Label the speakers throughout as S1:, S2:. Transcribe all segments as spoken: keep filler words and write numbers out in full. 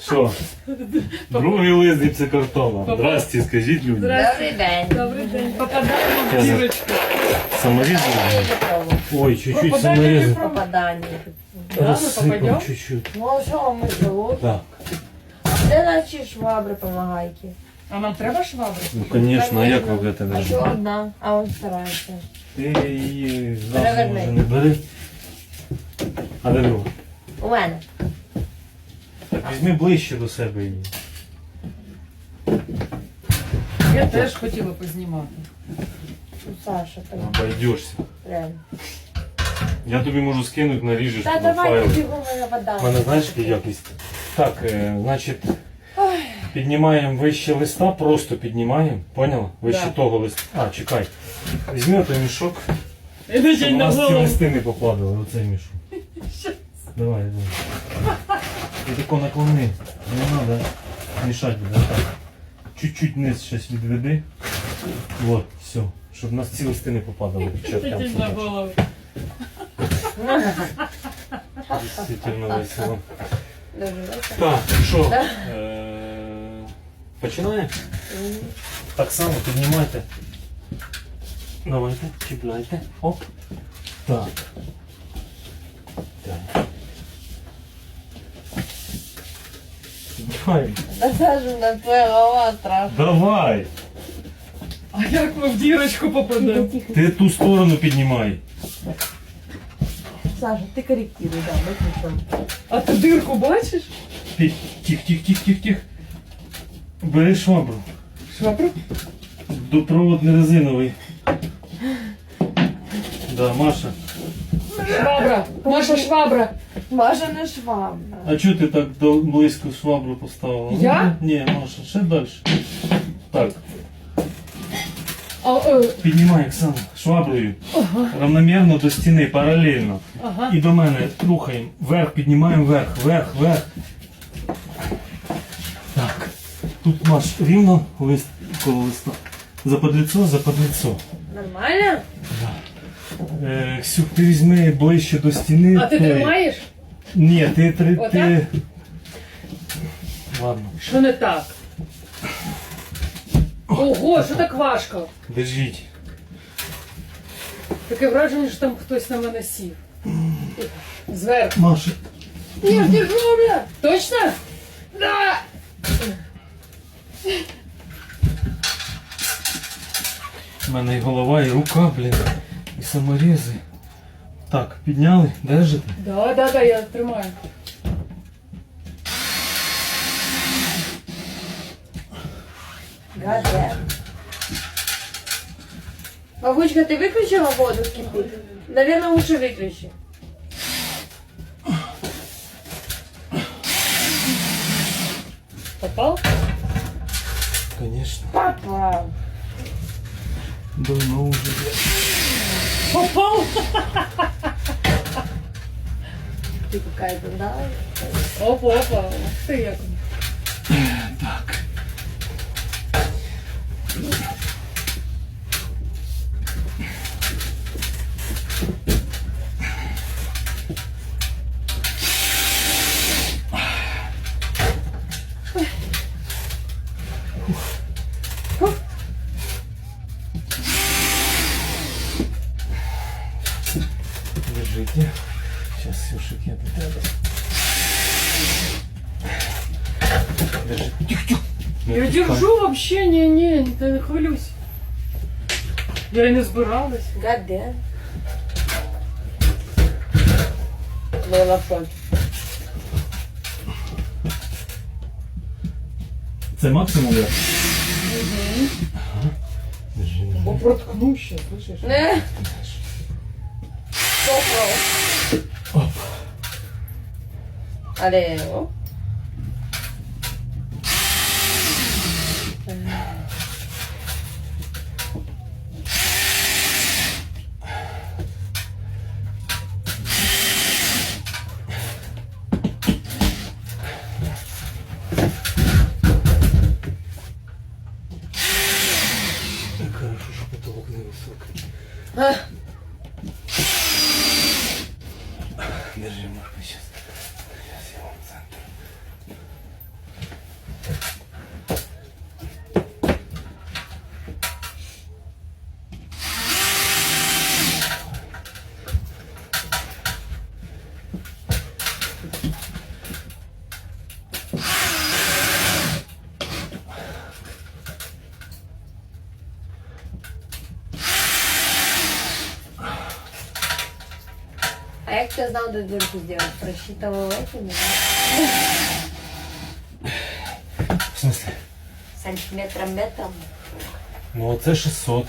S1: Що? Другий лист гіпсокартона. Здрасте, скажіть людям.
S2: Добрий день.
S3: Добрий день. Попадаємо в дірочку.
S1: Саморізали? Ой, чуть-чуть
S3: Попадання
S1: саморізали.
S3: не про-
S2: Попадання.
S3: Да, ми
S1: Розсипав
S3: попадемо?
S1: чуть-чуть.
S2: Ну а що ми живуть?
S1: Так.
S2: Де наші швабри помагайки?
S3: А нам треба швабри?
S1: Ну, звісно, а як ви будете
S2: А
S1: нажати?
S2: що одна? А он старається.
S1: Ти її зразу
S2: Переверни.
S1: може не бери. А де друга?
S2: У мене.
S1: Так візьми ближче до себе її.
S3: Я теж хотіла познімати.
S2: Ну, Саша, так.
S1: Обойдешся.
S2: Реально.
S1: Я тобі можу скинути, наріжеш
S2: Та
S1: туди
S2: давай
S1: файл.
S2: бігом на вода.
S1: У мене знаєш, яка якість? Так, е, значить, піднімаємо вище листа, просто піднімаємо, поняла? Вище
S3: Да.
S1: того листа. А, чекай. Візьми той мішок,
S3: Іди
S1: щоб у
S3: на
S1: нас ці
S3: голову.
S1: листи не попадали, оцей мішок. Давай, давай. І тако наклони. Не треба мішати буде. Так. Чуть-чуть вниз щось відведи. Вот, все. Щоб у нас ці листи не попадали. під час
S3: Іди на голову.
S1: Дійсно весело.
S2: Дуже весело.
S1: Так, що?
S2: Да.
S1: Е, Починаємо?
S2: Мгм.
S1: Так само піднімайте. Давайте, чіпляйте. Оп. Так. Так. Давай.
S2: Та Саша, на твоя голова страшна.
S1: Давай.
S3: А як ми в дірочку попадемо?
S1: Ти ту сторону піднімай.
S2: Саша, ти корректируй, да, виключимо.
S3: А ти дирку бачиш?
S1: Тих, тих, тих, тих, тих, тих. Бери швабру.
S3: Швабру?
S1: Допровод не резиновий. Да, Маша.
S3: Швабра. Наша швабра.
S2: Маша не швабра.
S1: А чого ти так до- близько швабру поставила?
S3: Я?
S1: Ні, Маша, ще далі. Так,
S3: А, е,
S1: піднімай, Оксана, шваброю. Равномірно до стіни, паралельно.
S3: ага.
S1: І до мене рухаємо. Вверх, піднімаємо вверх, вверх, вверх. Так. Тут Маш рівно лист коло листа. За подліцо, за подліцо.
S2: Нормально?
S1: Е, Ксюх, ти візьми ближче до стіни.
S3: А ти
S1: той.
S3: тримаєш?
S1: Ні, ти три.
S3: Отак?
S1: Ти... Ладно.
S3: Що не так? Ого, що так важко?
S1: Держіть.
S3: Таке враження, що там хтось на мене сів. Зверху.
S1: Маша.
S2: Я ж держу, бля.
S3: Точно? Да!
S1: У мене і голова, і рука, блін. І саморізи. Так, підняли, держите?
S3: Да, да, да, я тримаю.
S2: Гаде. Бабучка, ты выключила воду кипит? Наверное, лучше выключи.
S3: Попал?
S1: Конечно.
S2: Папа.
S1: Давно уже.
S3: Попал?
S2: Ты какая-то, да?
S3: Опа, опа. Ух ти як.
S1: Так. Держите. Сейчас Сюшик, я до тебе. Держи. Тихо, тихо. Не
S3: Я
S1: отпускай.
S3: держу вообще, не, не, та не хвилюсь. Я і не збиралась.
S2: Гаде. Была в шоке.
S1: Це максимум я? Держи, держи.
S3: Бо проткну ще, слышиш?
S2: Не. Попал.
S1: Оп.
S2: Але, оп.
S1: Так хорошо, що потолок не високий.
S2: А,
S1: Держи, Марко, сейчас. Сейчас я вам центр.
S2: як ти знав, де дырку сделать? Просчитывал эти, не
S1: В смысле?
S2: сантиметром, метром.
S1: Ну оце шістсот.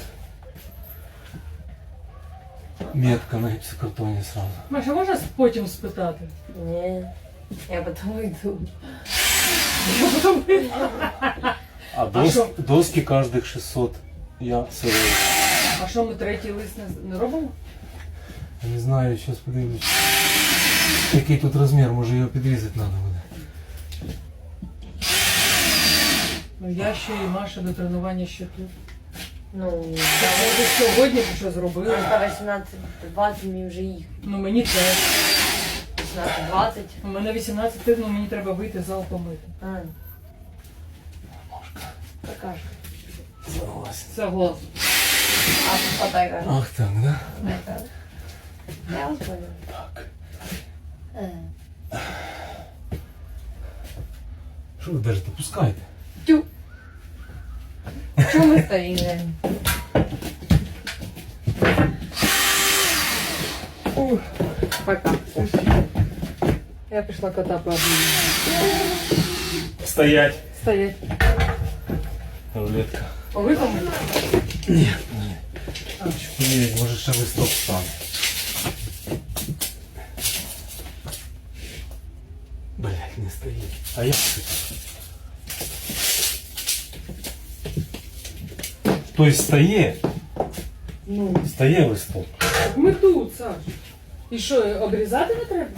S1: Метка на гіпсокартоні сразу.
S3: Маша, можна потім спитати?
S2: Не, я потом иду.
S3: Я потім...
S1: А, дос,
S3: що?
S1: доски кожних шістсот. Я сирий.
S3: А що, ми третій лист не, не робимо?
S1: Я не знаю, зараз подивлюсь. Який тут розмір, може його підрізати треба буде.
S3: Ну я ще і Маша до тренування ще тут.
S2: Ну,
S3: Я може сьогодні б що зробили.
S2: до вісімнадцять двадцять мені вже їх.
S3: Ну мені теж.
S2: вісімнадцять двадцять.
S3: У мене вісімнадцять, ну мені треба вийти зал помити.
S2: А. Покажи.
S1: Согласен.
S3: Согласна.
S2: А подай кажу.
S1: Ах так, да?
S2: Я вас понял.
S1: Так.
S2: Е.
S1: Що ви держите? Пускайте.
S2: Тю. Чому ми стоїмо?
S3: Ух, пока. Я пішла кота пообнимати.
S1: Стоять.
S3: Стоять.
S1: Рулетка.
S3: Повикому?
S1: Ні, ні. Чекай, може ще листок стане. Блять, не стоїть. А як це? Тобто стає?
S3: Ну,
S1: Стає листок.
S3: ми тут, Саш. І що, обрізати не треба?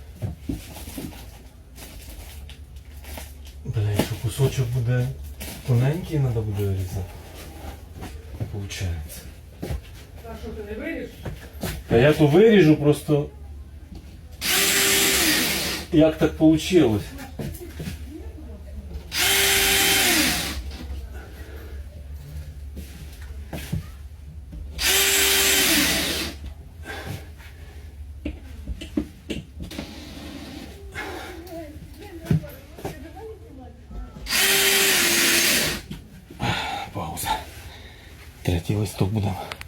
S1: Бля, якщо кусочок буде тоненький, треба буде різати. Получається.
S3: А що, ти не виріш?
S1: Та я то виріжу, просто як так вийшло? Пауза. Третій листок будемо